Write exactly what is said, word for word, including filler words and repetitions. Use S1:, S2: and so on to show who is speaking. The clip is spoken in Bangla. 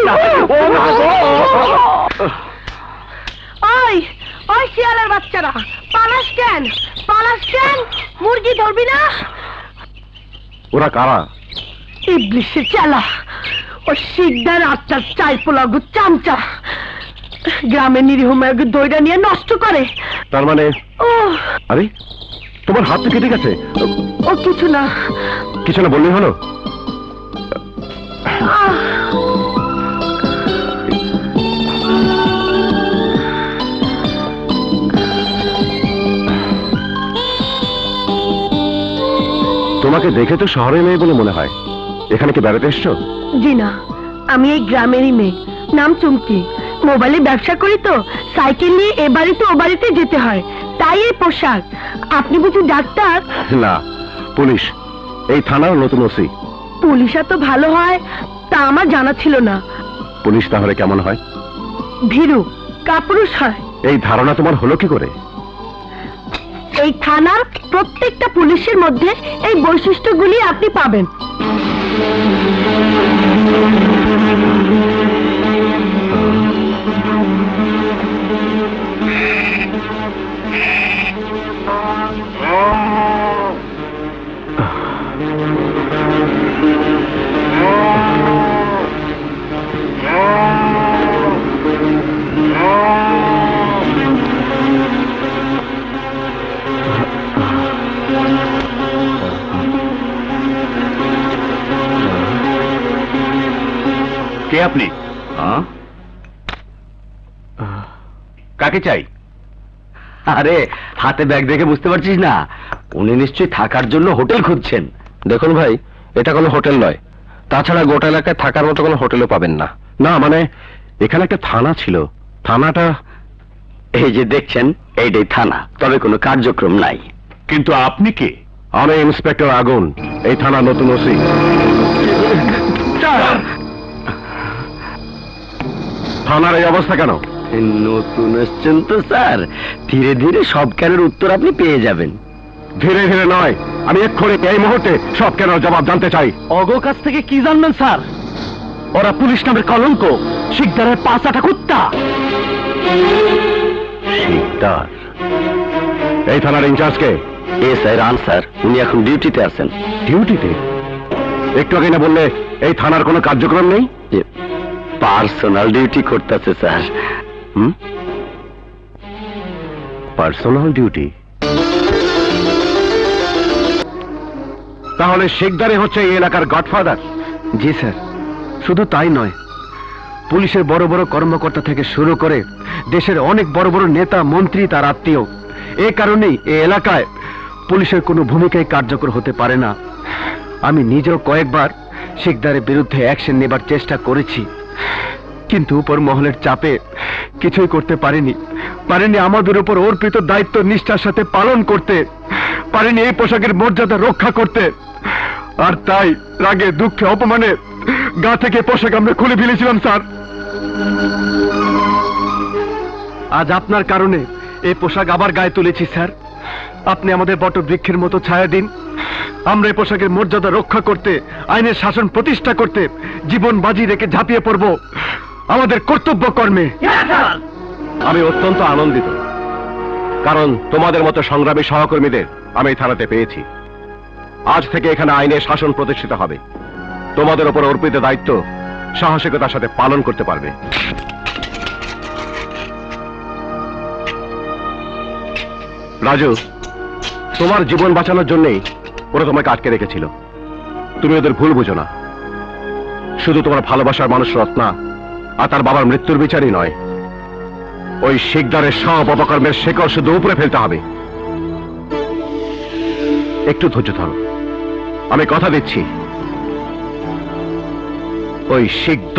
S1: না। ও মা গো!
S2: ওই ওই শিয়ালের বাচ্চারা, পালাস কেন? পালাস কেন? মুরগি ধরবি না?
S1: ওরা কারা?
S2: ইবলিশের চালা, ও শিকদার আত্মার চাই পোলাগু চামচা, গ্রামের নিরীহ মেয়েকে দইটা নিয়ে নষ্ট করে।
S1: তার মানে?
S2: ও
S1: আরে তোমার হাত তো কেটে গেছে।
S2: ও কিছু না।
S1: কিছু না বললেই হলো?
S2: আহ,
S1: তোমাকে দেখে তো শহরে মেয়ে বলে মনে হয়। এখানে কি বেড়াতে এসছো?
S2: জি না, আমি এই গ্রামেরই মেয়ে, নাম চুমকি। মোবাইলে ব্যবসা করি তো, সাইকেল নিয়ে এ বাড়িতে ও বাড়িতে যেতে হয়, তাই এই পোশাক। আপনি বুঝি ডাক্তার?
S1: না, পুলিশ। এই থানার নতুন ওসি।
S2: পুলিশ এত ভালো হয় তা আমার জানা ছিল না।
S1: পুলিশ তাহলে কেমন হয়?
S2: ভীরু, কাপুরুষ হয়।
S1: এই ধারণা তোমার হলো কি করে?
S2: এই থানার প্রত্যেকটা পুলিশের মধ্যে এই বৈশিষ্ট্যগুলি আপনি পাবেন।
S1: কে আপনি? কাকে চাই?
S3: আরে হাতে ব্যাগ দেখে বুঝতে পারছিস না? উনি নিশ্চয়ই থাকার জন্য হোটেল খুঁজছেন।
S1: দেখুন ভাই, এটা কোনো হোটেল নয়। তাছাড়া গোটা এলাকায় থাকার মতো কোনো হোটেলও পাবেন না। না মানে, এখানে একটা থানা ছিল। থানাটা
S3: এই যে দেখছেন, এইটাই থানা, তবে কোনো কার্যক্রম নাই।
S1: কিন্তু আপনি কে? আমি ইন্সপেক্টর আগুন, এই থানার নতুন ওসি। থানার এই অবস্থা কেন?
S3: নতুন এসছেন তো স্যার, ধীরে ধীরে সব কেনের উত্তর আপনি পেয়ে যাবেন।
S1: ধীরে ধীরে নয়, আমি এক্ষুনি এই মুহূর্তে সব কেন জবাব জানতে চাই।
S3: অগো কাছ থেকে কি জানবেন স্যার?
S1: ওরা পুলিশ নামের কলঙ্ক, শিকদারের পাঁচাটা কুত্তা। শিকদার? এই থানার ইনচার্জ কে?
S3: এ স্যার রান স্যার, উনি এখন ডিউটিতে আছেন।
S1: ডিউটিতে? একটু আগে না বললে এই থানার কোনো কার্যক্রম নেই?
S3: পার্সোনাল ডিউটি করতেছে স্যার।
S1: হুম, পার্সোনাল ডিউটি? তাহলে শিকদারে হচ্ছে এই এলাকার গডফাদার?
S3: জি স্যার, শুধু তাই নয়, পুলিশের বড় বড় কর্মকর্তা থেকে শুরু করে দেশের অনেক বড় বড় নেতা মন্ত্রী তার আত্মীয়। এ কারণেই এই এলাকায় পুলিশের কোনো ভূমিকাই কার্যকর হতে পারে না। আমি নিজেও কয়েকবার শিকদারের বিরুদ্ধে অ্যাকশন নেবার চেষ্টা করেছি, কিন্তু উপর মহলের চাপে কিছুই করতে পারিনি। পারিনি আমাদের উপর অর্পিত দায়িত্ব নিষ্ঠার সাথে পালন করতে, পারিনি এই পোশাকের মর্যাদা রক্ষা করতে। আর তাই রাগে দুঃখে অপমানে গা থেকে পোশাক আমরা খুলে ফেলেছিলাম স্যার। আজ আপনার কারণে এই পোশাক আবার গায়ে তুলেছি স্যার। আপনি আমাদের বটবৃক্ষের মতো ছায়া দিন। আমরা এই পোশাকের মর্যাদা রক্ষা করতে, আইনের শাসন প্রতিষ্ঠা করতে জীবন বাজি রেখে ঝাঁপিয়ে পড়ব আমাদের কর্তব্য কর্মে।
S1: আমি অত্যন্ত আনন্দিত, কারণ তোমাদের মতো সংগ্রামী সহকর্মীদের আমি এই থানাতে পেয়েছি। আজ থেকে এখানে আইনের শাসন প্রতিষ্ঠিত হবে। তোমাদের উপর অর্পিত দায়িত্ব সাহসিকতার সাথে পালন করতে পারবে। রাজু, তোমার জীবন বাঁচানোর জন্যই ওরা তোমাকে আটকে রেখেছিল। তুমি ওদের ভুল বুঝো না। শুধু তোমার ভালোবাসার মানুষ রত্না আর তার বাবার মৃত্যুর বিচারই নয়, ওই শিকদারের সব অপকর্মের শেকড় শুধু উপরে ফেলতে হবে। একটু ধৈর্য ধরো, আমি কথা দিচ্ছি ওই শিকদার